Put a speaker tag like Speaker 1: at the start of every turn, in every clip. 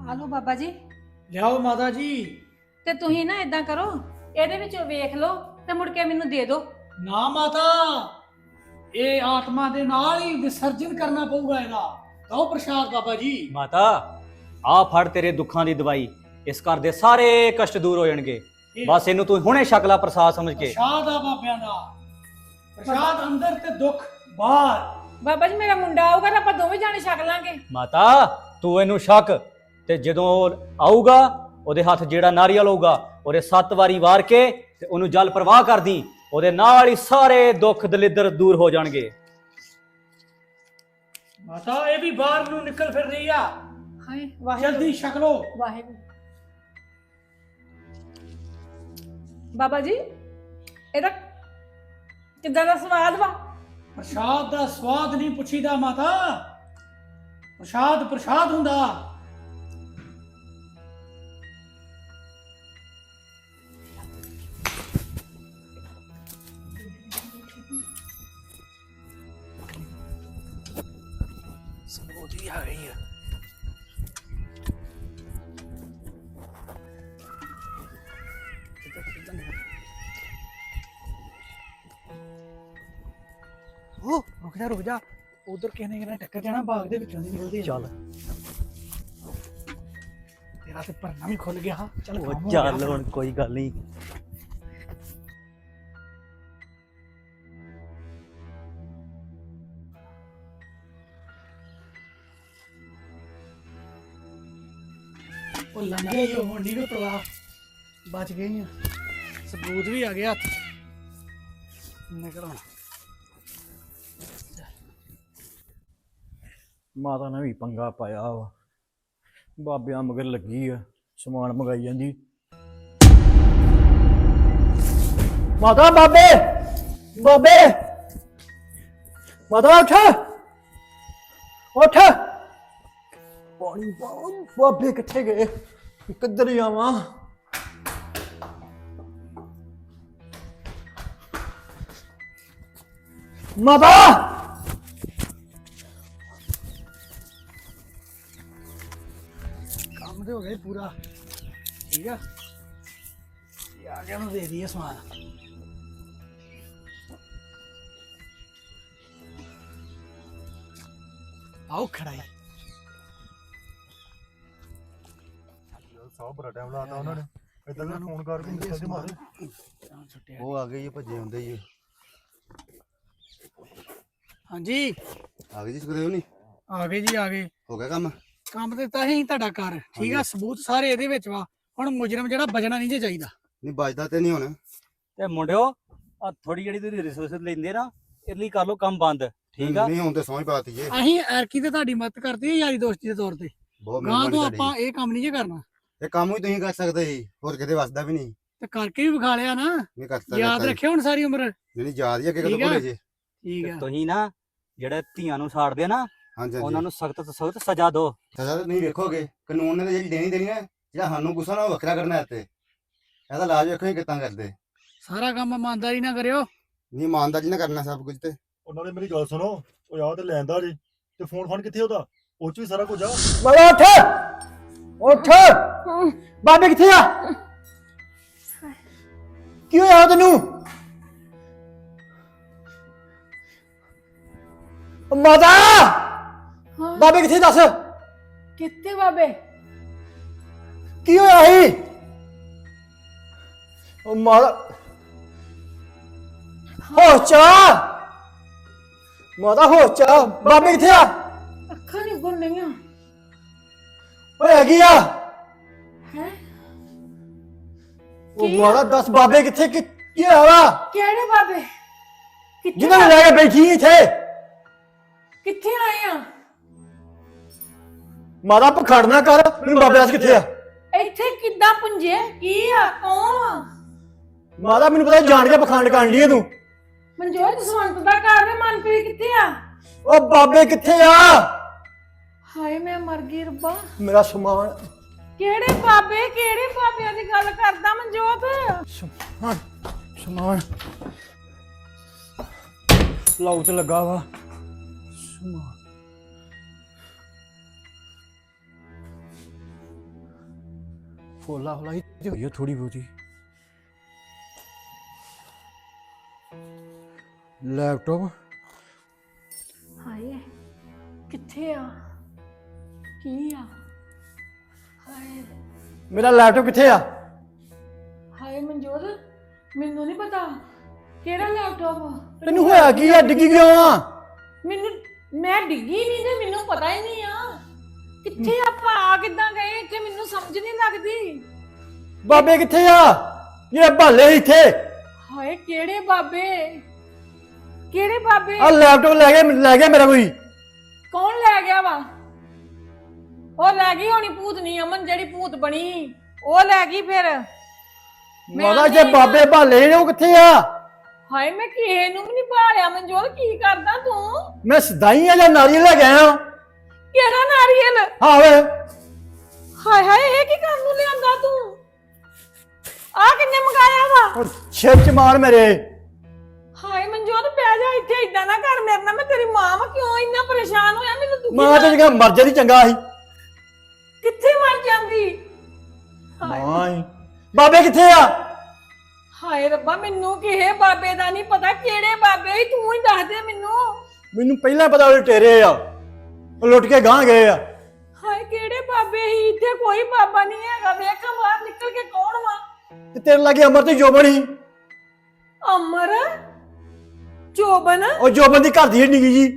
Speaker 1: ਆਲੋ ਬਾਬਾ ਜੀ।
Speaker 2: ਲਿਆਓ ਮਾਤਾ ਜੀ।
Speaker 1: ਤੇ ਤੁਸੀਂ ਨਾ ਇਦਾਂ ਕਰੋ, ਇਹਦੇ ਵਿੱਚੋਂ ਵੇਖ ਲਓ ਤੇ ਮੁੜ ਕੇ ਮੈਨੂੰ ਦੇ ਦਿਓ।
Speaker 2: ਨਾ ਮਾਤਾ, ਇਹ ਆਤਮਾ ਦੇ ਨਾਲ ਹੀ ਵਿਸਰਜਨ ਕਰਨਾ ਪਊਗਾ ਇਹਦਾ। ਕਹੋ ਪ੍ਰਸ਼ਾਦ ਬਾਬਾ ਜੀ।
Speaker 3: ਮਾਤਾ ਆ ਫੜ ਤੇਰੇ ਦੁੱਖਾਂ ਦੀ ਦਵਾਈ। ਇਸ ਘਰ ਦੇ ਸਾਰੇ ਕਸ਼ਟ ਦੂਰ ਹੋ ਜਾਣਗੇ। ਬਸ ਇਹਨੂੰ ਤੂੰ ਹੁਣੇ ਛਕ ਲੈ ਪ੍ਰਸਾਦ ਸਮਝ ਕੇ।
Speaker 2: ਪ੍ਰਸ਼ਾਦ ਆ ਬਾਬਿਆਂ ਦਾ। ਪ੍ਰਸ਼ਾਦ ਅੰਦਰ ਤੇ ਦੁੱਖ ਬਾਹਰ।
Speaker 1: ਬਾਬਾ ਜੀ ਮੇਰਾ ਮੁੰਡਾ ਆਊਗਾ ਤਾਂ ਆਪਾਂ ਦੋਵੇਂ ਜਾਣੇ ਛਕ ਲਾਂਗੇ।
Speaker 3: ਮਾਤਾ ਤੂੰ ਇਹਨੂੰ ਛਕ, ਤੇ ਜਦੋਂ ਉਹ ਆਊਗਾ ਉਹਦੇ ਹੱਥ ਜਿਹੜਾ ਨਾਰੀਅਲ ਹੋਊਗਾ ਉਹਦੇ 7 ਵਾਰੀ ਵਾਰ ਕੇ ਤੇ ਉਹਨੂੰ ਜਲ ਪ੍ਰਵਾਹ ਕਰਦੀ। ਉਹਦੇ ਨਾਲ ਹੀ ਸਾਰੇ ਦੁੱਖ ਦਲਿੱਦਰ ਦੂਰ ਹੋ ਜਾਣਗੇ।
Speaker 2: ਮਾਤਾ ਇਹ ਵੀ ਬਾਹਰ ਨੂੰ ਨਿਕਲ ਫਿਰ ਰਹੀ ਆ।
Speaker 1: ਹਾਏ ਵਾਹਿਗੁਰੂ
Speaker 2: ਜਲਦੀ ਛਕ ਲੋ।
Speaker 1: ਵਾਹਿਗੁਰੂ। ਬਾਬਾ ਜੀ ਇਹਦਾ ਕਿੱਦਾਂ ਦਾ ਸਵਾਦ ਵਾ?
Speaker 2: ਪ੍ਰਸ਼ਾਦ ਦਾ ਸਵਾਦ ਨਹੀਂ ਪੁੱਛੀਦਾ ਮਾਤਾ, ਪ੍ਰਸ਼ਾਦ ਪ੍ਰਸ਼ਾਦ ਹੁੰਦਾ।
Speaker 3: ਸਮੋਦੀ ਆ ਗਈ ਹੈ।
Speaker 2: रुक जा उधर कहने के टक्कर जाना बाग दे विचों दी निकलदी।
Speaker 3: ਚੱਲ
Speaker 2: तेरा ते भरना भी खुल गया। चल
Speaker 3: ਉਹ
Speaker 2: काम हो
Speaker 3: ਚੱਲ
Speaker 2: गया।
Speaker 3: ਹੁਣ ਕੋਈ ਗੱਲ ਨਹੀਂ।
Speaker 2: ਉਹ ਲੰਘੇ ਹੀ ਹੋਣ ਦੀ ਵੀ ਪਰਵਾਹ, ਬਚ ਗਏ ਆ। ਸਬੂਤ ਵੀ ਆ ਗਿਆ ਹੱਥ। ਨਿਕਲ ਹੁਣ।
Speaker 3: ਮਾਤਾ ਨੇ ਵੀ ਪੰਗਾ ਪਾਇਆ ਵਾ। ਬਾਬਿਆਂ ਮਗਰ ਲੱਗੀ ਆ, ਸਮਾਨ ਮੰਗਾਈ ਜਾਂਦੀ। ਮਾਤਾ ਬਾਬੇ ਬਾਬੇ ਮਾਤਾ ਉੱਠ ਉੱਠ। ਪਾਣੀ ਬਾਬੇ ਕਿੱਥੇ ਗਏ? ਕਿੱਧਰ ਜਾਵਾਂ? ਮਾਤਾ
Speaker 2: ਕੰਮ ਤੇ ਹੋ ਗਿਆ ਪੂਰਾ। ਠੀਕ ਆ, ਇਹ ਆ ਗਿਆ, ਨੂੰ ਦੇ ਦਈਏ ਸਮਾਨ। ਆਓ ਖੜਾਈ।
Speaker 4: ਸਾਹ ਬੜਾ ਟਾਈਮ ਲਾਤਾ ਉਹਨਾਂ ਨੇ। ਇਦਾਂ ਦਾ ਫੋਨ ਕਰਕੇ ਨਿਕਲ ਦੇ ਮਾਰੇ।
Speaker 5: ਉਹ ਆ ਗਏ ਜੀ, ਭੱਜੇ ਹੁੰਦੇ ਜੀ।
Speaker 2: ਹਾਂਜੀ
Speaker 5: ਆ ਗਏ ਜੀ, ਸੁਖਦੇਵ ਨਹੀਂ
Speaker 2: ਆ ਗਏ ਜੀ, ਆ ਗਏ।
Speaker 5: ਹੋ ਗਿਆ ਕੰਮ?
Speaker 2: ਕੰਮ ਤੇ ਤਾਂ ਹੀ ਤੁਹਾਡਾ ਘਰ ਠੀਕ ਆ, ਸਬੂਤ ਸਾਰੇ ਇਹਦੇ ਵਿੱਚ ਵਾ। ਹੁਣ ਮੁਜਰਮ ਜਿਹੜਾ ਬਚਣਾ ਨਹੀਂ ਜੇ ਚਾਹੀਦਾ।
Speaker 5: ਨਹੀਂ ਬਚਦਾ ਤੇ ਨਹੀਂ ਹੁਣ।
Speaker 3: ਤੇ ਮੁੰਡਿਓ ਆ ਥੋੜੀ ਜਿਹੜੀ ਤੁਸੀਂ ਰਿਸੋਰਸ ਲੈਂਦੇ ਨਾ, ਇਸ ਲਈ ਕਰ ਲਓ ਕੰਮ ਬੰਦ। ਠੀਕ ਆ?
Speaker 5: ਨਹੀਂ ਹੁਣ ਤੇ ਸਮਝ ਪਾਤੀ ਜੇ।
Speaker 2: ਅਸੀਂ ਐਰਕੀ ਤੇ ਤੁਹਾਡੀ ਮਦਦ ਕਰਦੇ ਆ ਯਾਰੀ ਦੋਸਤੀ ਦੇ ਤੌਰ ਤੇ।
Speaker 5: ਬਹੁਤ
Speaker 2: ਗਾਂ
Speaker 5: ਮਿਹਰਬਾਨੀ
Speaker 2: ਤੋਂ
Speaker 5: ਤੁਹਾਡੀ।
Speaker 2: ਆਪਾਂ ਇਹ ਕੰਮ ਨਹੀਂ ਜੇ ਕਰਨਾ।
Speaker 5: ਇਹ ਕੰਮ ਵੀ ਤੁਸੀਂ ਕਰ ਸਕਦੇ ਸੀ, ਹੋਰ ਕਿਤੇ ਵਸਦਾ ਵੀ ਨਹੀਂ।
Speaker 2: ਤੇ ਕਰਕੇ ਵੀ ਵਿਖਾ ਲਿਆ ਨਾ।
Speaker 5: ਨਹੀਂ ਕਰ ਸਕਦਾ।
Speaker 2: ਯਾਦ ਰੱਖਿਓ ਹੁਣ ਸਾਰੀ ਉਮਰ।
Speaker 5: ਨਹੀਂ ਯਾਦ ਹੀ ਅੱਗੇ ਕਦੋਂ
Speaker 2: ਠੀਕ ਆ?
Speaker 5: ਭੁੱਲੇ ਜੇ।
Speaker 2: ਠੀਕ ਆ।
Speaker 3: ਤੁਸੀਂ ਨਾ ਜਿਹੜੇ ਧੀਆਂ ਨੂੰ ਸਾੜਦੇ ਆ ਨਾ,
Speaker 5: ਹਾਂਜੀ
Speaker 3: ਉਹਨਾਂ
Speaker 5: ਹਾਂਜੀ।
Speaker 3: ਨੂੰ ਸਖਤ ਤੋਂ ਸਖਤ ਸਜ਼ਾ ਦਿਓ।
Speaker 5: ਸਜ਼ਾ ਤਾਂ ਨਹੀਂ ਵੇਖੋਗੇ, ਕਾਨੂੰਨ ਨੇ ਤਾਂ ਜਿਹੜੀ ਦੇਣੀ ਦੇਣੀ ਹੈ। ਜਿਹੜਾ ਸਾਨੂੰ ਗੁੱਸਾ ਨਾ ਉਹ ਵੱਖਰਾ ਕਰਨਾ ਇੱਥੇ। ਇਹਦਾ ਇਲਾਜ ਵੇਖੋ ਇਹ ਕਿੱਦਾਂ ਕਰਦੇ।
Speaker 2: ਸਾਰਾ ਕੰਮ ਇਮਾਨਦਾਰੀ ਨਾਲ ਕਰਿਓ।
Speaker 5: ਨਹੀਂ ਇਮਾਨਦਾਰੀ ਨਾਲ ਕਰਨਾ ਸਭ ਕੁਝ। ਤੇ
Speaker 4: ਉਹਨਾਂ ਨੇ ਮੇਰੀ ਗੱਲ ਸੁਣੋ, ਉਹ ਯਾਦ ਤੇ ਲੈਂਦਾ ਜੀ। ਤੇ ਫੋਨ ਫਾਨ ਕਿੱਥੇ ਉਹਦਾ? ਉਹ ਚ ਵੀ ਸਾਰਾ ਕੁਝ ਆ।
Speaker 3: ਮਾਤਾ ਉੱਠ ਉੱਠ। ਬਾਬੇ ਕਿੱਥੇ ਆ? ਕੀ ਹੋਇਆ ਤੈਨੂੰ? ਮਾਤਾ
Speaker 1: ਹਾਂ
Speaker 3: ਬਾਬੇ ਕਿੱਥੇ ਦੱਸ?
Speaker 1: ਕਿੱਥੇ ਬਾਬੇ?
Speaker 3: ਕੀ ਹੋਇਆ ਸੀ? ਉਹ ਮਾਤਾ ਹੋਸ਼ ਚ ਆ। ਮਾਤਾ ਹੋਸ਼ ਚ ਆ। ਬਾਬੇ ਕਿੱਥੇ ਆ?
Speaker 1: ਅੱਖਾਂ ਨਹੀਂ ਗੁੰਨ ਰਹੀਆਂ।
Speaker 3: ਓਏ ਹੈਗੀ ਆ।
Speaker 1: ਹੈ
Speaker 3: ਉਹ ਮਾਤਾ ਦੱਸ ਬਾਬੇ ਕਿੱਥੇ? ਕੀ ਹੋਇਆ ਵਾ?
Speaker 1: ਕਿਹੜੇ ਬਾਬੇ? ਕਿੱਥੇ
Speaker 3: ਜਿਹਨਾਂ ਨੂੰ ਲੈ ਕੇ ਬੈਠੀ ਇੱਥੇ?
Speaker 1: ਕਿੱਥੇ ਆਏ ਆ?
Speaker 3: ਮਾਤਾ ਪਖੜ ਨਾ ਕਰ। ਮੈਨੂੰ ਬਾਬੇ ਦੱਸ ਕਿੱਥੇ ਆ?
Speaker 1: ਇੱਥੇ ਕਿੱਦਾਂ ਪੁੰਜੇ? ਕੀ ਆ? ਕੌਣ ਆ?
Speaker 3: ਮਾਤਾ ਮੈਨੂੰ ਪਤਾ ਜਾਣ ਕੇ ਪਖੰਡ ਕਰਨ ਲਈ ਤੂੰ।
Speaker 1: ਮਨਜੋਤ ਜਸਵੰਤ ਦਾ ਘਰ ਹੈ। ਮਨਪ੍ਰੀਤ ਕਿੱਥੇ ਆ?
Speaker 3: ਉਹ ਬਾਬੇ ਕਿੱਥੇ ਆ?
Speaker 1: ਹਾਏ ਮੈਂ ਮਰ ਗਈ ਰੱਬਾ।
Speaker 3: ਮੇਰਾ ਸਮਾਨ।
Speaker 1: ਕਿਹੜੇ ਬਾਬਿਆਂ ਦੀ ਗੱਲ ਕਰਦਾ ਮਨਜੋਤ?
Speaker 3: ਸਮਾਨ ਲਾਉ ਤੇ ਲੱਗਾ ਵਾ। ਸਮਾਨ
Speaker 2: ਫੋਲਾ ਫੋਲਾ ਹੀ ਤੇ ਹੋਈ ਆ ਥੋੜੀ ਬਹੁਤੀ। ਲੈਪਟਾਪ
Speaker 1: ਹਾਏ ਕਿੱਥੇ ਆ ਕੀ ਆ ਹਾਏ
Speaker 2: ਮੇਰਾ ਲੈਪਟਾਪ ਕਿੱਥੇ ਆ?
Speaker 1: ਹਾਏ ਮਨਜੋਤ ਮੈਨੂੰ ਨਹੀਂ ਪਤਾ ਕਿਹੜਾ ਲੈਪਟਾਪ
Speaker 2: ਤੈਨੂੰ ਹੋਇਆ ਕੀ ਆ? ਡਿੱਗੀ ਕਿਉਂ ਆ?
Speaker 1: ਮੈਨੂੰ ਮੈਂ ਡਿੱਗੀ ਨਹੀਂ ਤੇ ਮੈਨੂੰ ਪਤਾ ਹੀ ਨਹੀਂ ਆ ਕਿੱਥੇ ਆਪਾਂ ਆ ਕਿੱਦਾਂ ਗਏ ਇੱਥੇ ਮੈਨੂੰ ਸਮਝ ਨਹੀਂ ਲੱਗਦੀ।
Speaker 2: ਬਾਬੇ ਕਿੱਥੇ ਆ ਜਿਹੜੇ ਭਾਲੇ ਸੀ ਇੱਥੇ?
Speaker 1: ਹਾਏ ਕਿਹੜੇ ਬਾਬੇ ਕਿਹੜੇ ਬਾਬੇ?
Speaker 2: ਆ ਲੈਪਟਾਪ ਲੈ ਗਿਆ ਮੇਰਾ ਕੋਈ।
Speaker 1: ਕੌਣ ਲੈ ਗਿਆ ਵਾ? ਉਹ ਲੈ ਗਈ ਹੋਣੀ ਭੂਤਨੀ ਅਮਨ ਜਿਹੜੀ ਭੂਤ ਬਣੀ ਉਹ ਲੈ ਗਈ ਫਿਰ।
Speaker 2: ਮਾਦਾ ਜੇ ਬਾਬੇ ਭਾਲੇ ਨੇ ਉਹ ਕਿੱਥੇ ਆ?
Speaker 1: ਹਾਏ ਮੈਂ ਕਿਸੇ ਨੂੰ ਵੀ ਨਹੀਂ ਭਾਲਿਆ ਮਨਜੋਤ ਕੀ ਕਰਦਾ ਤੂੰ?
Speaker 2: ਮੈਂ ਸਦਾਈ ਆ ਜਾਂ ਨਾਰੀਅਲ ਲੈ ਕੇ ਆਇਆ।
Speaker 1: ਕਿਹੜਾ ਨਾਰੀਅਲ?
Speaker 2: ਹਾਂ ਵੇ
Speaker 1: ਹਾਏ ਹਾਏ ਇਹ ਕੀ ਕਰਨ ਨੂੰ ਲਿਆਂਦਾ ਤੂੰ? ਆ ਕਿੰਨੇ ਮੰਗਾਇਆ ਵਾ?
Speaker 2: ਛਿੱਚ ਮਾਰ ਮੇਰੇ।
Speaker 1: ਹਾਏ ਮਨਜੋਤ ਪੈ ਜਾ ਇੱਥੇ ਇਦਾਂ ਨਾ ਕਰ ਮੇਰੇ ਨਾਲ। ਮੈਂ ਤੇਰੀ ਮਾਂ ਵਾ ਕਿਉਂ ਇੰਨਾ ਪਰੇਸ਼ਾਨ ਹੋਇਆ ਮੈਨੂੰ ਦੁਖੀ
Speaker 2: ਮਾਂ ਤੇ ਜਗਾ ਮਰ ਜਾਂਦੀ ਚੰਗਾ ਸੀ।
Speaker 1: ਕਿੱਥੇ ਮਰ ਜਾਂਦੀ?
Speaker 2: ਮਾਂ ਹੀ। ਬਾਬੇ ਕਿੱਥੇ ਆ?
Speaker 1: ਹਾਏ ਰੱਬਾ ਮੈਨੂੰ ਕਿਸੇ ਬਾਬੇ ਦਾ ਨਹੀਂ ਪਤਾ ਕਿਹੜੇ ਬਾਬੇ ਸੀ ਤੂੰ ਹੀ ਦੱਸ ਦੇ ਮੈਨੂੰ।
Speaker 2: ਮੈਨੂੰ ਪਹਿਲਾਂ ਪਤਾ ਉਹ ਟੇਰੇ ਆ ਉਹ ਲੁੱਟ ਕੇ ਗਾਂ ਗਏ ਆ।
Speaker 1: ਹਾਏ ਕਿਹੜੇ ਬਾਬੇ ਸੀ? ਇੱਥੇ ਕੋਈ ਬਾਬਾ ਨਹੀਂ ਹੈਗਾ। ਵੇਖਾਂ ਬਾਹਰ ਨਿਕਲ ਕੇ ਕੌਣ ਵਾ?
Speaker 2: ਤੇ ਤੇਰੇ ਲਾਗੇ ਅਮਰ ਤੇ ਜੋਬਨ ਸੀ।
Speaker 1: ਅਮਰ ਜੋਬਨ?
Speaker 2: ਉਹ ਜੋਬਨ ਦੀ ਘਰ ਦੀ ਨਿੱਕੀ ਜੀ।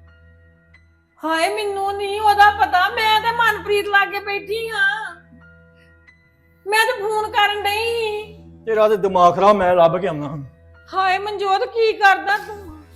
Speaker 1: ਹਾਏ ਮੈਨੂੰ ਨਹੀਂ ਉਹਦਾ ਪਤਾ। ਮੈਂ ਤੇ ਮਨਪ੍ਰੀਤ ਲਾਗੇ ਬੈਠੀ ਹਾਂ। ਮੈਂ ਤੇ ਫੋਨ ਕਰਨ ਡਈ।
Speaker 2: ਤੇਰਾ ਤੇ ਦਿਮਾਗ ਖਰਾਬ। ਮੈਂ ਲੱਭ ਕੇ ਆਉਣਾ ਹੁਣ।
Speaker 1: ਹਾਏ ਮਨਜੋਤ ਕੀ ਕਰਦਾ ਤੂੰ?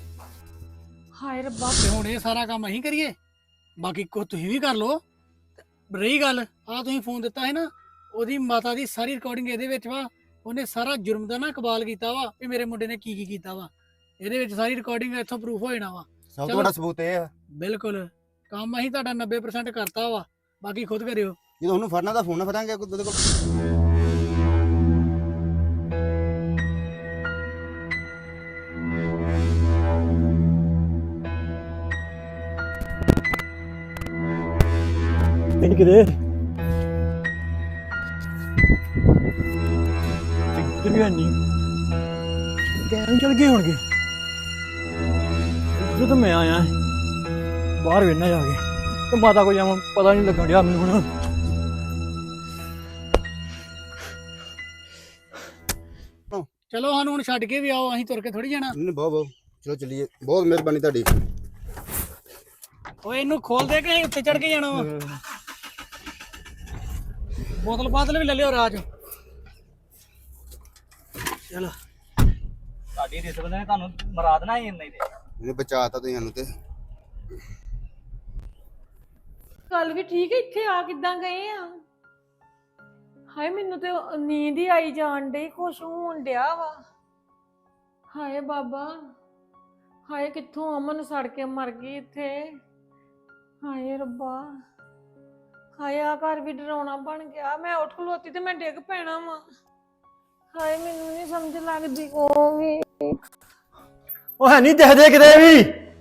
Speaker 1: ਹਾਏ ਰੱਬਾ
Speaker 2: ਤੇ ਹੁਣ ਇਹ ਸਾਰਾ ਕੰਮ ਅਸੀਂ ਕਰੀਏ? ਬਾਕੀ ਕੋ ਤੁਸੀਂ ਵੀ ਕਰ ਲਓ। ਰਹੀ ਗੱਲ ਆ ਤੁਸੀਂ ਫੋਨ ਦਿੱਤਾ ਹੈ ਨਾ ਉਹਦੀ ਮਾਤਾ ਦੀ ਸਾਰੀ ਰਿਕਾਰਡਿੰਗ ਇਹਦੇ ਵਿੱਚ ਵਾ। ਉਹਨੇ ਸਾਰਾ ਜੁਰਮ ਦਾ ਨਾ ਇਕਬਾਲ ਕੀਤਾ ਵਾ ਵੀ ਮੇਰੇ ਮੁੰਡੇ ਨੇ ਕੀ ਕੀਤਾ ਵਾ। ਇਹਦੇ ਵਿੱਚ ਸਾਰੀ ਰਿਕਾਰਡਿੰਗ ਇੱਥੋਂ ਪ੍ਰੂਫ ਹੋ ਜਾਣਾ ਵਾ।
Speaker 5: ਸਭ ਤੋਂ ਵੱਡਾ ਸਬੂਤ ਇਹ ਆ
Speaker 2: ਬਿਲਕੁਲ ਕੰਮ ਅਸੀਂ ਤੁਹਾਡਾ 90% ਕਰਤਾ ਵਾ। ਬਾਕੀ ਖੁਦ ਕਰਿਓ।
Speaker 5: ਜਦੋਂ ਉਹਨੂੰ ਫੜਨਾ ਤਾਂ ਫੋਨ ਨਾ ਫੜਾਂਗੇ ਉਹਦੇ ਕੋਲ।
Speaker 2: ਤਿੰਨ ਕਿਦੇ ਕਿਧਰ ਨਹੀਂ ਗਏ ਚਲ ਗਏ ਹੋਣਗੇ। ਜਦੋਂ ਮੈਂ ਆਇਆ ਬਾਹਰ ਵੇਖਣਾ ਜਾ ਕੇ ਤੇ ਮਾਤਾ ਕੋ ਜਾਵਾਂ ਪਤਾ ਨਹੀਂ ਲੱਗਣ ਡਿਆ ਮੈਨੂੰ ਹੁਣ। ਚਲੋ ਸਾਨੂੰ ਹੁਣ ਛੱਡ ਕੇ ਵੀ ਆਓ। ਅਸੀਂ ਤੁਰ ਕੇ ਥੋੜੀ ਜਾਣਾ।
Speaker 5: ਨਹੀਂ ਬਹੁਤ ਬਹੁਤ ਚਲੋ ਚੱਲੀਏ। ਬਹੁਤ ਮਿਹਰਬਾਨੀ ਤੁਹਾਡੀ।
Speaker 2: ਓਏ ਇਹਨੂੰ ਖੋਲ ਦੇ ਕੇ ਉੱਤੇ ਚੜ ਕੇ ਜਾਣਾ ਵਾ। ਬੋਤਲ ਬਾਤਲ ਵੀ ਲੈ ਲਿਓ ਰਾਜ। ਚਲੋ
Speaker 3: ਤੁਹਾਡੀ ਰਿਸ਼ਵਤ ਨੇ ਤੁਹਾਨੂੰ ਮਰਾ ਦੇਣਾ ਹੀ ਨਹੀਂ ਤੇ।
Speaker 5: ਇਹਨੇ ਬਚਾਤਾ ਤੁਸੀਂ ਸਾਨੂੰ ਤੇ।
Speaker 1: ਗੱਲ ਵੀ ਠੀਕ ਹੈ। ਇੱਥੇ ਆ ਕਿੱਦਾਂ ਗਏ ਆ? ਹਾਏ ਮੈਨੂੰ ਤੇ ਨੀਂਦ ਹੀ ਆਈ ਜਾਣ ਡਈ। ਕੁਛ ਹੋਣ ਡਿਆ ਵਾ। ਹਾਏ ਬਾਬਾ ਹਾਏ ਕਿੱਥੋਂ ਅਮਨ ਸੜ ਕੇ ਮਰ ਗਈ ਇੱਥੇ। ਹਾਏ ਰੱਬਾ ਹਾਏ ਆ ਘਰ ਵੀ ਡਰਾਉਣਾ ਬਣ ਗਿਆ। ਮੈਂ ਉੱਠ ਖਲੋਤੀ ਤੇ ਮੈਂ ਡਿੱਗ ਪੈਣਾ ਵਾ। ਹਾਏ ਮੈਨੂੰ ਨਹੀਂ ਸਮਝ ਲੱਗਦੀ ਉਹ ਵੀ।
Speaker 2: ਉਹ ਹੈ ਨਹੀਂ ਦਿਖਦੇ ਕਿਤੇ ਵੀ।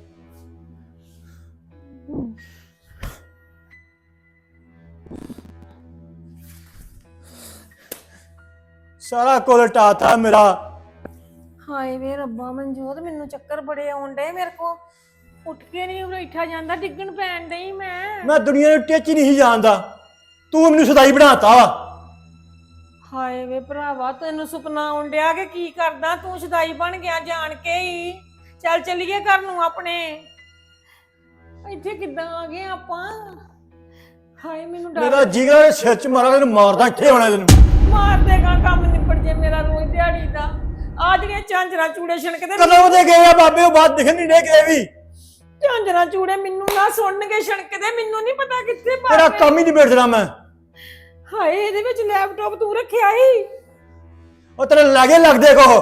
Speaker 2: ਸਾਰਾ ਕੁਲ ਟਾਤਾ ਮੇਰਾ।
Speaker 1: ਹਾਏ ਵੇ ਰੱਬਾ ਮਨਜੋਤ ਮੈਨੂੰ ਚੱਕਰ ਬੜੇ ਆਉਣ ਡੇ। ਮੇਰੇ ਕੋ ਉੱਠ ਕੇ ਨਹੀਂ ਬੈਠਾ ਜਾਂਦਾ। ਡਿੱਗਣ ਪੈਣ ਡਈ ਮੈਂ।
Speaker 2: ਮੈਂ ਦੁਨੀਆ ਨੂੰ ਟਿੱਚ ਨਹੀਂ ਜਾਣਦਾ। ਤੂੰ ਮੈਨੂੰ ਸਦਾਈ ਬਣਾਤਾ ਵਾ।
Speaker 1: ਹਾਏ ਵੇ ਭਰਾਵਾ ਤੈਨੂੰ ਸੁਪਨਾ ਆਉਣ ਡਿਆ ਕਿ ਕੀ ਕਰਦਾ ਤੂੰ? ਸ਼ਦਾਈ ਬਣ ਗਿਆ ਜਾਣ ਕੇ ਹੀ। ਚੱਲ ਚੱਲੀਏ ਘਰ ਨੂੰ ਆਪਣੇ। ਇੱਥੇ ਕਿੱਦਾਂ ਆ ਗਏ ਆਪਾਂ? ਹਾਏ ਮੈਨੂੰ ਡਰ।
Speaker 2: ਮੇਰਾ ਜਿਗਰ ਸਿਰ ਚ ਮਾਰਾ ਤੈਨੂੰ ਮਾਰਦਾ ਇੱਥੇ ਹੋਣਾ ਤੈਨੂੰ।
Speaker 1: ਮਾਰ ਦੇਗਾ ਕੰਮ ਨਿਪਟ ਜੇ ਮੇਰਾ ਰੋਜ਼ ਦਿਹਾੜੀ ਦਾ। ਆ ਜਿਹੜੀਆਂ ਝਾਂਜਰਾਂ ਚੂੜੇ ਛਣਕਦੇ
Speaker 2: ਕਦੋਂ ਦੇ ਗਏ ਆ ਬਾਬੇ ਉਹ ਬਾਤ ਦਿਖਣ ਨਹੀਂ ਡੇ ਕਿਤੇ ਵੀ।
Speaker 1: ਝਾਂਜਰਾਂ ਚੂੜੇ ਮੈਨੂੰ ਨਾ ਸੁਣਨਗੇ ਛਣਕਦੇ। ਮੈਨੂੰ ਨਹੀਂ ਪਤਾ ਕਿੱਥੇ ਪਾ
Speaker 2: ਤੇਰਾ ਕੰਮ ਹੀ ਨਹੀਂ ਬੇੜਦਾ ਮੈਂ।
Speaker 1: ਹਾਏ ਇਹਦੇ ਵਿੱਚ ਲੈਪਟਾਪ ਤੂੰ ਰੱਖਿਆ ਹੀ?
Speaker 2: ਉਹ ਤੇਰੇ ਲਾਗੇ ਲੱਗਦੇ ਕੋ।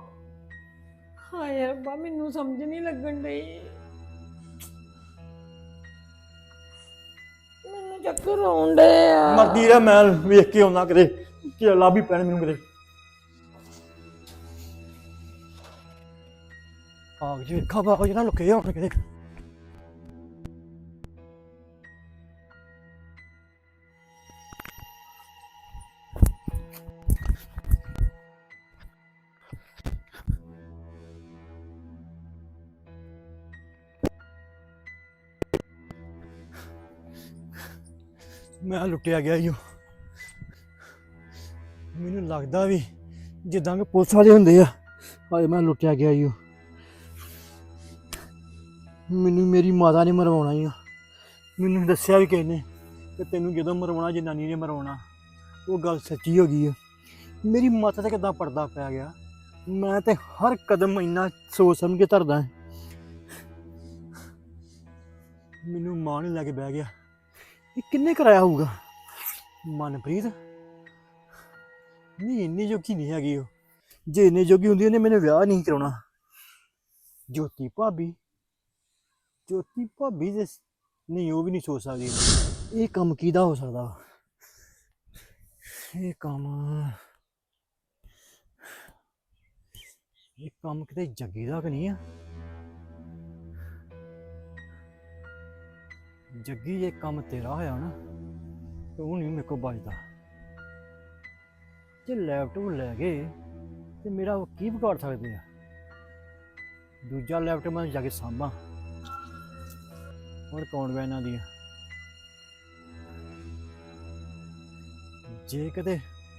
Speaker 1: ਹਾਏ ਰੱਬਾ ਮੈਨੂੰ ਸਮਝ ਨਹੀਂ ਲੱਗਣ ਡਈ। ਮੈਨੂੰ ਚੱਕਰ ਆਉਣ ਡੇ ਆ।
Speaker 2: ਮਰਦੀ ਰਹਿ ਮੈਂ ਵੇਖ ਕੇ ਆਉਣਾ ਕਿਤੇ ਕਿ ਲੱਭ ਹੀ ਪੈਣ ਮੈਨੂੰ ਕਿਤੇ। ਆਗ ਜੀ ਵੇਖਾ ਬਾਬਾ ਜਿਹੜਾ ਲੁਕੇ ਹੋਣ ਕਿਤੇ।
Speaker 4: ਮੈਂ ਲੁੱਟਿਆ ਗਿਆ ਈਓ। ਮੈਨੂੰ ਲੱਗਦਾ ਵੀ ਜਿੱਦਾਂ ਕਿ ਪੁਲਿਸ ਵਾਲੇ ਹੁੰਦੇ ਆ, ਹਾਏ ਮੈਂ ਲੁੱਟਿਆ ਗਿਆ ਈਓ। ਮੈਨੂੰ ਮੇਰੀ ਮਾਤਾ ਨੇ ਮਰਵਾਉਣਾ ਈ ਆ। ਮੈਨੂੰ ਦੱਸਿਆ ਵੀ ਕਿਸੇ ਨੇ ਕਿ ਤੈਨੂੰ ਜਦੋਂ ਮਰਵਾਉਣਾ ਜਨਾਨੀ ਨੇ ਮਰਵਾਉਣਾ। ਉਹ ਗੱਲ ਸੱਚੀ ਹੋ ਗਈ ਆ। ਮੇਰੀ ਮਾਤਾ ਤੇ ਕਿੱਦਾਂ ਪਰਦਾ ਪੈ ਗਿਆ। ਮੈਂ ਤੇ ਹਰ ਕਦਮ ਇੰਨਾ ਸੋਚ ਸਮਝ ਕੇ ਧਰਦਾ। ਮੈਨੂੰ ਮਾਂ ਨੇ ਲੈ ਕੇ ਬਹਿ ਗਿਆ। ਇਹ ਕਿੰਨੇ ਕਰਾਇਆ ਹੋਊਗਾ? ਮਨਪ੍ਰੀਤ ਨਹੀਂ, ਇੰਨੀ ਜੋਗੀ ਨਹੀਂ ਹੈਗੀ ਉਹ। ਜੇ ਇੰਨੀ ਜੋਗੀ ਹੁੰਦੀ ਉਹਨੇ ਮੈਨੂੰ ਵਿਆਹ ਨਹੀਂ ਕਰਾਉਣਾ। ਜੋਤੀ ਭਾਬੀ ਦੇ ਨਹੀਂ, ਉਹ ਵੀ ਨਹੀਂ ਸੋਚ ਸਕਦੀ। ਇਹ ਕੰਮ ਕਿਹਦਾ ਹੋ ਸਕਦਾ? ਇਹ ਕੰਮ ਕਿਤੇ ਜੱਗੀ ਦਾ ਕਿ ਨਹੀਂ ਆ? ਜੱਗੀ ਜੇ ਕੰਮ ਤੇਰਾ ਹੋਇਆ ਨਾ ਤੇ ਉਹ ਨਹੀਂ ਮੇਰੇ ਕੋਲ ਬਚਦਾ। ਜੇ ਲੈਪਟਾਪ ਲੈ ਗਏ ਤੇ ਮੇਰਾ ਉਹ ਕੀ ਵਿਗਾੜ ਸਕਦੇ ਆ? ਦੂਜਾ ਲੈਪਟਾਪ ਮੈਂ ਜਾ ਕੇ ਸਾਂਭਾਂ। ਹੋਰ ਕੌਣ ਵਾ ਇਹਨਾਂ ਦੀ? ਜੇ ਕਦੇ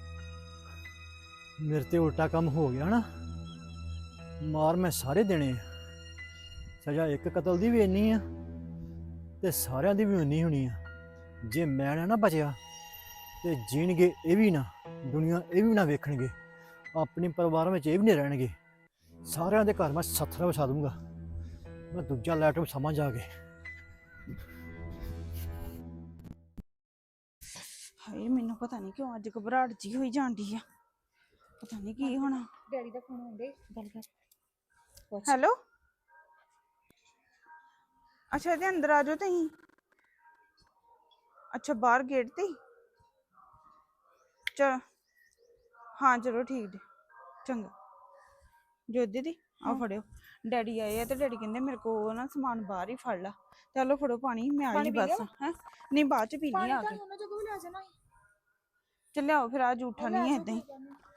Speaker 4: ਮੇਰੇ ਤੇ ਉਲਟਾ ਕੰਮ ਹੋ ਗਿਆ ਨਾ, ਮਾਰ ਮੈਂ ਸਾਰੇ ਦੇਣੇ ਆ। ਸਜ਼ਾ ਇੱਕ ਕਤਲ ਦੀ ਵੀ ਇੰਨੀ ਆ ਤੇ ਸਾਰਿਆਂ ਦੀ ਵੀ ਉਨੀ ਹੋਣੀ ਆ। ਜੇ ਮੈਂ ਨਾ ਬਚਿਆ ਤੇ ਜੀਣਗੇ ਇਹ ਵੀ ਨਾ, ਦੁਨੀਆ ਇਹ ਵੀ ਨਾ ਵੇਖਣਗੇ, ਆਪਣੇ ਪਰਿਵਾਰ ਵਿੱਚ ਇਹ ਵੀ ਨਹੀਂ ਰਹਿਣਗੇ। ਸਾਰਿਆਂ ਦੇ ਘਰ ਮੈਂ ਸੱਥਰਾ ਵਸਾ ਦੂੰਗਾ। ਮੈਂ ਦੂਜਾ ਲੈਪਟਾਪ ਸਮਝ ਆ ਗਏ।
Speaker 6: ਹਾਏ ਮੈਨੂੰ ਪਤਾ ਨਹੀਂ ਕਿਉਂ ਅੱਜ ਘਬਰਾਹਟ ਜੀ ਹੋਈ ਜਾਂਦੀ ਆ। ਪਤਾ ਨਹੀਂ ਕੀ ਹੋਣਾ।
Speaker 7: ਡੈਡੀ ਦਾ ਫੋਨ ਆਉਂਦੇ, ਗੱਲ ਕਰ।
Speaker 6: ਹੈਲੋ, ਅੱਛਾ ਇਹਦੇ ਅੰਦਰ ਆ ਜਾਓ ਤੁਸੀਂ। ਅੱਛਾ ਬਾਹਰ ਗੇਟ ਤੇ ਹੀ? ਚਲ ਹਾਂ ਚਲੋ ਠੀਕ ਜੀ, ਚੰਗਾ। ਜੋ ਦੀਦੀ ਆ ਫੜਿਓ, ਡੈਡੀ ਆਏ ਆ ਤੇ ਡੈਡੀ ਕਹਿੰਦੇ ਮੇਰੇ ਕੋਲ ਨਾ ਸਮਾਨ ਬਾਹਰ ਹੀ ਫੜ ਲਾ। ਚਲੋ ਫੜੋ ਪਾਣੀ, ਮੈਂ ਆ ਗਈ ਬਸ। ਹੈ ਨਹੀਂ ਬਾਅਦ ਚ ਪੀਣੀ ਆ ਕੇ। ਚੱਲਿਆਓ ਫਿਰ, ਆ ਜੂਠਾ ਨਹੀਂ ਹੈ ਏਦਾਂ ਹੀ।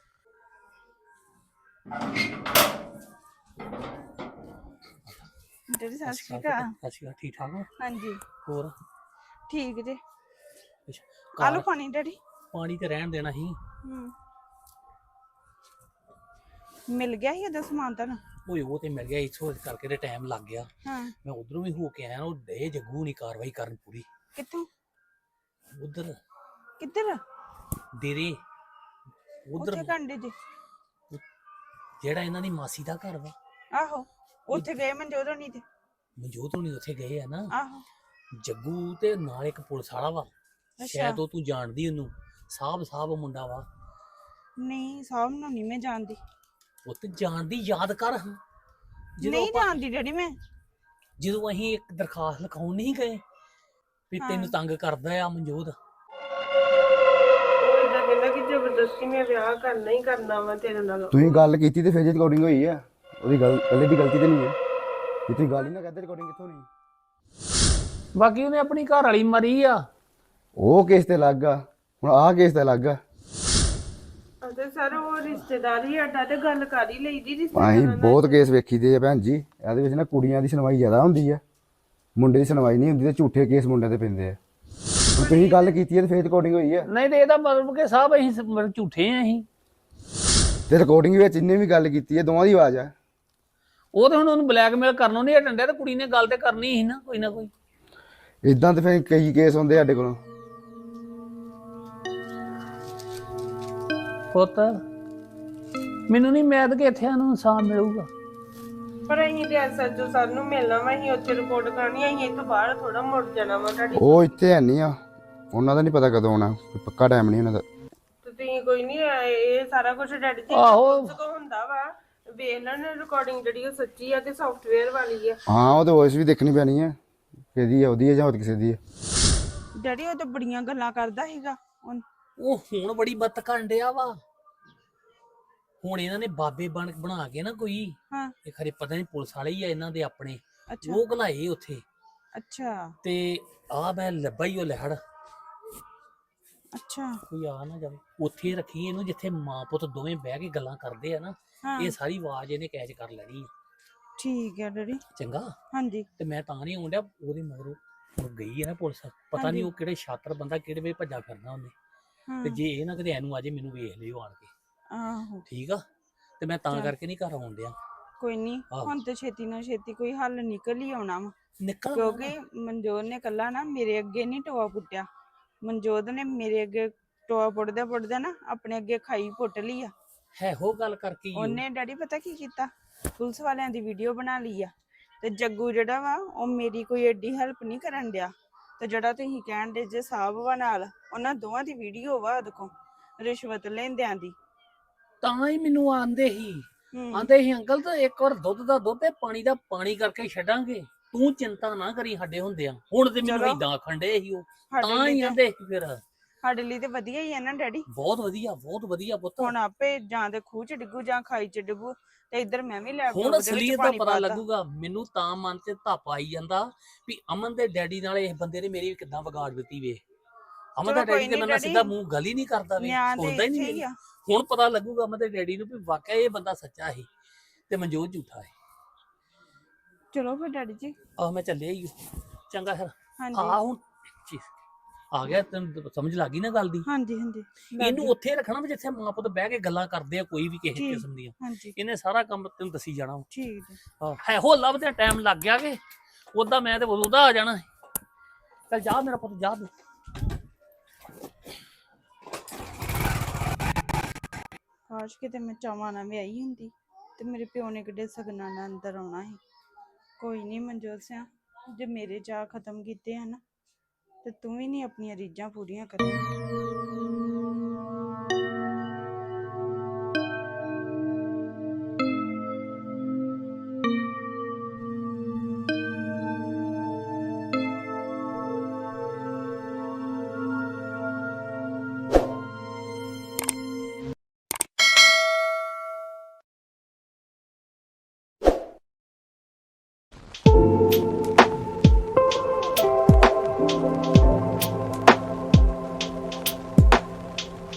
Speaker 6: ਡੈਡੀ ਸਤਿ ਸ਼੍ਰੀ ਅਕਾਲ।
Speaker 2: ਸਤਿ ਸ਼੍ਰੀ ਅਕਾਲ। ਠੀਕ ਠਾਕ ਹੋ?
Speaker 6: ਹਾਂਜੀ
Speaker 2: ਹੋਰ
Speaker 6: ਠੀਕ ਜੇ।
Speaker 2: ਅੱਛਾ,
Speaker 6: ਆਲੂ ਪਾਣੀ ਡੈਡੀ।
Speaker 2: ਪਾਣੀ ਤੇ ਰਹਿਣ ਦੇਣਾ ਸੀ।
Speaker 6: ਮਿਲ ਗਿਆ ਸੀ ਉਹਦਾ ਸਮਾਨ ਤੁਹਾਨੂੰ?
Speaker 2: ਓਏ ਉਹ ਤੇ ਮਿਲ ਗਿਆ, ਇੱਥੋਂ ਕਰਕੇ ਤੇ ਟਾਈਮ ਲੱਗ ਗਿਆ।
Speaker 6: ਹਾਂ
Speaker 2: ਮੈਂ ਉਧਰੋਂ ਵੀ ਹੋ ਕੇ ਆਇਆ। ਉਹ ਡੇ ਜੱਗੂ ਨਹੀਂ ਕਾਰਵਾਈ ਕਰਨ ਪੂਰੀ।
Speaker 6: ਕਿੱਥੋਂ?
Speaker 2: ਉਧਰ
Speaker 6: ਕਿੱਧਰ?
Speaker 2: ਡੇਰੇ ਉਧਰ
Speaker 6: ਉੱਥੇ ਕੰਡੇ ਜੀ?
Speaker 2: ਜਿਹੜਾ ਇਹਨਾਂ ਦੀ ਮਾਸੀ ਦਾ ਘਰ ਵਾ।
Speaker 6: ਆਹੋ ਉੱਥੇ ਗਏ ਮਨਜੋਤ ਹੋਣੀ ਤੇ?
Speaker 2: ਮਨਜੋਤ ਹੋਣੀ ਉੱਥੇ ਗਏ ਆ ਨਾ।
Speaker 6: ਆਹੋ
Speaker 2: ਜੱਗੂ ਤੇ ਨਾਲ ਇੱਕ ਪੁਲਿਸ ਵਾਲਾ ਵਾ।
Speaker 6: ਅੱਛਾ।
Speaker 2: ਸ਼ਾਇਦ ਉਹ ਤੂੰ ਜਾਣਦੀ ਉਹਨੂੰ। ਸਾਹਿਬ ਮੁੰਡਾ ਵਾ।
Speaker 6: ਨਹੀਂ ਸਾਹਬ ਨੂੰ ਨਹੀਂ ਮੈਂ ਜਾਣਦੀ।
Speaker 2: ਉਹ ਤੇ ਜਾਣਦੀ, ਯਾਦ ਕਰ।
Speaker 6: ਨਹੀਂ ਜਾਣਦੀ ਡੈਡੀ ਮੈਂ।
Speaker 2: ਜਦੋਂ ਅਸੀਂ ਇੱਕ ਦਰਖਾਸਤ ਲਿਖਾਉਣ ਨਹੀਂ ਗਏ ਵੀ ਤੈਨੂੰ ਤੰਗ ਕਰਦਾ ਆ ਮਨਜੋਤ।
Speaker 1: ਕਹਿੰਦਾ ਕਿ ਜ਼ਬਰਦਸਤੀ ਮੈਂ ਵਿਆਹ ਕਰਨਾ ਹੀ ਕਰਨਾ ਵਾ ਤੇਰੇ ਨਾਲ।
Speaker 5: ਤੁਸੀਂ ਗੱਲ ਕੀਤੀ ਤੇ ਫਿਰ ਜੇ ਰਿਕਾਰਡਿੰਗ ਹੋਈ ਆ, ਉਹਦੀ ਗੱਲ ਕੱਲੇ ਦੀ ਗਲਤੀ ਤੇ ਨਹੀਂ ਹੈ। ਜੇ ਤੁਸੀਂ ਗੱਲ ਹੀ ਨਾ ਕਰਦੇ ਰਿਕਾਰਡਿੰਗ ਕਿੱਥੋਂ ਨਹੀਂ?
Speaker 2: ਬਾਕੀ ਉਹਨੇ ਆਪਣੀ ਘਰ ਵਾਲੀ ਮਰੀ ਆ।
Speaker 5: ਉਹ ਕੇਸ ਤੇ ਲੱਗ ਗਾ, ਹੁਣ ਆਹ ਕੇਸ ਤੇ ਲੱਗ ਗਾ।
Speaker 1: ਅਤੇ ਸਰ ਉਹ ਰਿਸ਼ਤੇਦਾਰੀ ਅੱਡਾ ਤੇ ਗੱਲ ਕਰ ਹੀ ਲਈਦੀ
Speaker 5: ਅਸੀਂ
Speaker 1: ਰਿਸ਼ਤੇਦਾਰਾਂ
Speaker 5: ਬਹੁਤ ਕੇਸ ਵੇਖੀਦੇ ਆ ਭੈਣ ਜੀ। ਇਹਦੇ ਵਿੱਚ ਨਾ ਕੁੜੀਆਂ ਦੀ ਸੁਣਵਾਈ ਜ਼ਿਆਦਾ ਹੁੰਦੀ ਆ, ਮੁੰਡੇ ਦੀ ਸੁਣਵਾਈ ਨਹੀਂ ਹੁੰਦੀ ਤੇ ਝੂਠੇ ਕੇਸ ਮੁੰਡਿਆਂ ਤੇ ਪੈਂਦੇ ਆ। ਹੁਣ ਤੁਸੀਂ ਗੱਲ ਕੀਤੀ ਹੈ ਤੇ ਫਿਰ ਰਿਕਾਰਡਿੰਗ ਹੋਈ ਆ।
Speaker 2: ਨਹੀਂ ਤੇ ਇਹਦਾ ਮਤਲਬ ਕਿ ਸਾਹਿਬ ਅਸੀਂ ਝੂਠੇ ਆ। ਅਸੀਂ
Speaker 5: ਤੇ ਰਿਕਾਰਡਿੰਗ ਵਿੱਚ ਇਹਨੇ ਵੀ ਗੱਲ ਕੀਤੀ ਹੈ, ਦੋਵਾਂ ਦੀ ਆਵਾਜ਼ ਆ।
Speaker 2: ਉਹ ਤੇ ਹੁਣ ਉਹਨੂੰ ਬਲੈਕਮੇਲ ਕਰਨੋਂ ਨਹੀਂ ਹਟਣ ਡਿਆ ਤੇ ਕੁੜੀ ਨੇ ਗੱਲ ਤੇ ਕਰਨੀ ਸੀ ਨਾ, ਕੋਈ ਨਾ ਕੋਈ।
Speaker 5: ਇਦਾਂ ਤੇ ਫਿਰ ਕਈ ਕੇਸ ਹੁੰਦੇ ਸਾਡੇ ਕੋਲ।
Speaker 2: ਪੁੱਤ ਮੈਨੂੰ ਨਹੀਂ ਮੈਦ ਕਿ ਇੱਥੇ ਨੂੰ ਇਨਸਾਨ ਮਿਲੂਗਾ।
Speaker 1: ਪਰ ਅਸੀਂ ਤੇ ਐਸਐਚਓ ਸਰ ਨੂੰ ਮਿਲਣਾ ਵਾ, ਅਸੀਂ ਉੱਥੇ ਰਿਪੋਰਟ ਕਰਨੀ, ਅਸੀਂ ਇੱਥੋਂ ਬਾਹਰ ਥੋੜਾ ਮੁੜ ਜਾਣਾ ਵਾ ਤੁਹਾਡੀ।
Speaker 5: ਉਹ ਇੱਥੇ ਹੈ ਨਹੀਂ ਆ, ਉਹਨਾਂ ਦਾ ਨਹੀਂ ਪਤਾ ਕਦੋਂ ਆਉਣਾ, ਕੋਈ ਪੱਕਾ ਟਾਈਮ ਨਹੀਂ ਉਹਨਾਂ ਦਾ।
Speaker 1: ਤੇ ਤੁਸੀਂ ਕੋਈ ਨਹੀਂ, ਇਹ ਸਾਰਾ ਕੁਝ ਡੈਡੀ ਜੀ
Speaker 2: ਆਹੋ।
Speaker 1: ਕੋ ਹੁੰਦਾ ਵਾ। ਵੇਖ ਲੈਣ ਰਿਕਾਰਡਿੰਗ ਜਿਹੜੀ ਉਹ ਸੱਚੀ ਆ ਤੇ ਸੌਫਟਵੇਅਰ ਵਾਲੀ ਆ।
Speaker 5: ਹਾਂ ਉਹ ਤੇ ਵੌਇਸ ਵੀ ਦੇਖਣੀ ਪੈਣੀ ਹੈ, ਕਿਹਦੀ ਆ, ਉਹਦੀ ਹੈ ਜਾਂ ਹੋਰ ਕਿਸੇ ਦੀ ਹੈ।
Speaker 6: ਡੈਡੀ ਉਹ ਤਾਂ ਬੜੀਆਂ ਗੱਲਾਂ ਕਰਦਾ ਸੀਗਾ।
Speaker 2: ਉਹ ਹੁਣ ਬੜੀ ਬੱਤ ਕਰਨ ਡਿਆ ਵਾ। ਹੁਣ ਇਹਨਾਂ ਨੇ ਬਾਬੇ ਬਣਾ ਕੇ ਨਾ ਕੋਈ,
Speaker 6: ਹਾਂ
Speaker 2: ਇਹ ਖਰੇ ਪਤਾ ਨਹੀਂ ਪੁਲਿਸ ਵਾਲੇ ਹੀ ਆ ਇਹਨਾਂ ਦੇ ਆਪਣੇ,
Speaker 6: ਅੱਛਾ
Speaker 2: ਉਹ ਘਲਾਏ ਉੱਥੇ।
Speaker 6: ਅੱਛਾ
Speaker 2: ਤੇ ਆ ਮੈਂ ਲੱਭਾ ਹੀ ਉਹ ਲਹਿੜ।
Speaker 6: ਅੱਛਾ
Speaker 2: ਕੋਈ ਆ ਨਾ ਜਾਵੇ। ਉੱਥੇ ਰੱਖੀ ਇਹਨੂੰ ਜਿੱਥੇ ਮਾਂ ਪੁੱਤ ਦੋਵੇਂ ਬਹਿ ਕੇ ਗੱਲਾਂ ਕਰਦੇ ਆ ਨਾ।
Speaker 6: ਹਾਂ
Speaker 2: ਇਹ ਸਾਰੀ ਆਵਾਜ਼ ਇਹਨੇ ਕੈਚ ਕਰ ਲੈਣੀ ਆ।
Speaker 6: ਠੀਕ ਹੈ ਡੈਡੀ।
Speaker 2: ਚੰਗਾ।
Speaker 6: ਹਾਂਜੀ
Speaker 2: ਤੇ ਮੈਂ ਤਾਂ ਨਹੀਂ ਆਉਣ ਡਿਆ ਉਹਦੇ ਮਗਰੋਂ।
Speaker 8: ਉਹ ਗਈ ਹੈ ਨਾ ਪੁਲਿਸ, ਪਤਾ
Speaker 6: ਹਾਂਜੀ।
Speaker 8: ਨਹੀਂ ਉਹ ਕਿਹੜੇ ਸ਼ਾਤਰ ਬੰਦਾ ਕਿਹੜੇ ਵੇ ਭੱਜਾ ਫਿਰਨਾ ਉਹਨੇ।
Speaker 6: ਹਾਂ
Speaker 8: ਤੇ ਜੇ ਇਹ ਨਾ ਕਿਤੇ ਐਨੂੰ ਆਜੇ ਮੈਨੂੰ ਵੇਖ ਲਿਓ ਆਣ ਕੇ,
Speaker 6: ਆਹੋ
Speaker 8: ਠੀਕ ਆ। ਤੇ ਮੈਂ ਤਾਂ
Speaker 6: ਚੱਲ।
Speaker 8: ਕਰਕੇ ਨਹੀਂ ਘਰ ਆਉਣ ਡਿਆ।
Speaker 6: ਕੋਈ ਨਹੀਂ,
Speaker 8: ਆਹੋ।
Speaker 6: ਹੁਣ ਤੇ ਛੇਤੀ ਨਾਲ ਛੇਤੀ ਕੋਈ ਹੱਲ ਨਿਕਲ ਹੀ ਆਉਣਾ ਵਾ,
Speaker 8: ਨਿਕਲ
Speaker 6: ਕਿਉਂਕਿ ਮਨਜੋਤ ਨੇ ਕੱਲਾ ਨਾ ਮੇਰੇ ਅੱਗੇ ਨਹੀਂ ਟੋਆ ਪੁੱਟਿਆ, ਮਨਜੋਤ ਨੇ ਮੇਰੇ ਅੱਗੇ ਟੋਆ ਪੁੱਟਦਾ ਪੁੱਟਦਾ ਨਾ ਆਪਣੇ ਅੱਗੇ ਖਾਈ ਪੁੱਟ ਲਈ ਆ।
Speaker 8: ਹੈ ਹੋ ਗੱਲ ਕਰਕੇ ਹੀ ਉਹ।
Speaker 6: ਉਹਨੇ ਡੈਡੀ ਪਤਾ ਕੀ ਕੀਤਾ, ਪੁਲਿਸ ਵਾਲਿਆਂ ਦੀ ਵੀਡੀਓ ਬਣਾ ਲਈ ਆ, ਤੇ ਜੱਗੂ ਜਿਹੜਾ ਵਾ ਉਹ ਮੇਰੀ ਕੋਈ ਐਡੀ ਹੈਲਪ ਨਹੀਂ ਕਰਨ ਡਿਆ। ਤੇ ਜਿਹੜਾ ਤੁਸੀਂ ਕਹਿਣ ਦੇ ਜੇ ਸਾਹਿਬ ਵਾ ਨਾਲ, ਉਹਨਾਂ ਦੋਵਾਂ ਦੀ ਵੀਡੀਓ ਵਾ ਉਹਦੇ ਕੋਲ ਰਿਸ਼ਵਤ ਲੈਂਦਿਆਂ ਦੀ।
Speaker 8: ਤਾਂ ਹੀ ਮੈਨੂੰ ਆਂਦੇ ਹੀ
Speaker 6: ਹੂੰ
Speaker 8: ਆਂਦੇ ਹੀ ਅੰਕਲ ਤਾਂ ਇੱਕ ਵਾਰ ਦੁੱਧ ਦਾ ਦੁੱਧ ਤੇ ਪਾਣੀ ਦਾ ਪਾਣੀ ਕਰਕੇ ਛੱਡਾਂਗੇ, ਤੂੰ ਚਿੰਤਾ ਨਾ ਕਰੀ ਸਾਡੇ ਹੁੰਦਿਆਂ। ਹੁਣ ਤੇ ਮੈਨੂੰ
Speaker 6: ਚਲੋ।
Speaker 8: ਇਦਾਂ ਆਖਣ ਡੇ ਸੀ ਉਹ,
Speaker 6: ਸਾਡੇ
Speaker 8: ਤਾਂ ਹੀ
Speaker 6: ਲਈ
Speaker 8: ਆਂਦੇ ਸੀ ਫਿਰ।
Speaker 6: ਸਾਡੇ ਲਈ ਤੇ ਵਧੀਆ ਹੀ ਆ ਨਾ ਡੈਡੀ।
Speaker 8: ਬਹੁਤ ਵਧੀਆ ਪੁੱਤ।
Speaker 6: ਹੁਣ ਆਪੇ ਜਾਂ ਤੇ ਖੂਹ ਚ ਡਿੱਗੂ ਜਾਂ ਖਾਈ ਚ ਡਿੱਗੂ, ਤੇ ਇੱਧਰ ਮੈਂ ਵੀ ਲੈਪਟਾਪ
Speaker 8: ਹੁਣ
Speaker 6: ਦੇ ਵਿੱਚ
Speaker 8: ਅਸਲੀਅਤ ਦਾ
Speaker 6: ਪਾਣੀ
Speaker 8: ਪਤਾ
Speaker 6: ਪਾਤਾ।
Speaker 8: ਲੱਗੂਗਾ ਮੈਨੂੰ, ਤਾਂ ਮਨ ਤੇ ਧੱਪ ਆਈ ਜਾਂਦਾ ਵੀ ਅਮਨ ਦੇ ਡੈਡੀ ਨਾਲ ਇਸ ਬੰਦੇ ਨੇ ਮੇਰੀ ਕਿੱਦਾਂ ਵਿਗਾੜ ਦਿੱਤੀ ਵੇ। ਅਮਨ ਦਾ
Speaker 6: ਚਲੋ ਕੋਈ
Speaker 8: ਡੈਡੀ ਤੇ
Speaker 6: ਨੀ
Speaker 8: ਮੈਂ
Speaker 6: ਡੈਡੀ,
Speaker 8: ਸਿੱਧਾ ਮੂੰਹ ਗੱਲ ਹੀ ਨਹੀਂ ਕਰਦਾ ਵੇ,
Speaker 6: ਨਿਆਂ ਤੇ
Speaker 8: ਸੁਣਦਾ ਹੀ ਨਹੀਂ
Speaker 6: ਇੱਥੇ ਹੀ
Speaker 8: ਮੇਰੀ।
Speaker 6: ਆ।
Speaker 8: ਹੁਣ ਪਤਾ ਲੱਗੂਗਾ ਅਮਨ ਦੇ ਡੈਡੀ ਨੂੰ ਵੀ ਵਾਕਿਆ ਇਹ ਬੰਦਾ ਸੱਚਾ ਸੀ ਤੇ ਮਨਜੋਤ ਝੂਠਾ ਹੈ।
Speaker 6: ਚਲੋ ਫਿਰ ਡੈਡੀ ਜੀ।
Speaker 8: ਆਹ ਮੈਂ ਚੱਲਿਆ ਹੀ ਚੰਗਾ ਫਿਰ।
Speaker 6: ਹਾਂਜੀ
Speaker 8: ਆ ਹੁਣ ਜੀ, ਆ ਗਿਆ ਤੈਨੂੰ ਸਮਝ ਲੱਗ ਗਈ ਨਾ ਗੱਲ ਦੀ।
Speaker 6: ਹਾਂਜੀ ਹਾਂਜੀ
Speaker 8: ਇਹਨੂੰ ਉੱਥੇ ਰੱਖਣਾ ਵੀ ਜਿੱਥੇ ਮਾਂ ਪੁੱਤ ਬਹਿ ਕੇ ਗੱਲਾਂ ਕਰਦੇ ਆ ਕੋਈ ਵੀ ਕਿਸੇ
Speaker 6: ਠੀਕ।
Speaker 8: ਕਿਸਮ ਦੀਆਂ।
Speaker 6: ਹਾਂਜੀ
Speaker 8: ਇਹਨੇ ਸਾਰਾ ਕੰਮ ਤੈਨੂੰ ਦੱਸੀ ਜਾਣਾ।
Speaker 6: ਠੀਕ ਹੈ।
Speaker 8: ਹੈ ਹੋ ਲੱਭਦੇ ਟਾਈਮ ਲੱਗ ਗਿਆ ਕਿ ਉਦਾਂ ਮੈਂ ਤੇ ਉਹਦਾ ਆ ਜਾਣਾ। ਚੱਲ ਜਾ ਮੇਰਾ ਪੁੱਤ ਜਾ ਤੂੰ।
Speaker 6: ਕਾਸ਼ ਕਿਤੇ ਮੈਂ ਚਾਵਾਂ ਨਾਲ ਵਿਆਹੀ ਹੁੰਦੀ ਤੇ ਮੇਰੇ ਪਿਓ ਨੇ ਕਿੱਡੇ ਸਗਨਾਂ ਨਾਲ ਅੰਦਰ ਆਉਣਾ ਸੀ। ਕੋਈ ਨਹੀਂ ਮਨਜੋਤ ਸਿਆ, ਜੇ ਮੇਰੇ ਚਾਅ ਖਤਮ ਕੀਤੇ ਹਨ ਤੇ ਤੂੰ ਵੀ ਨਹੀਂ ਆਪਣੀਆਂ ਰੀਝਾਂ ਪੂਰੀਆਂ ਕਰਨੀਆਂ।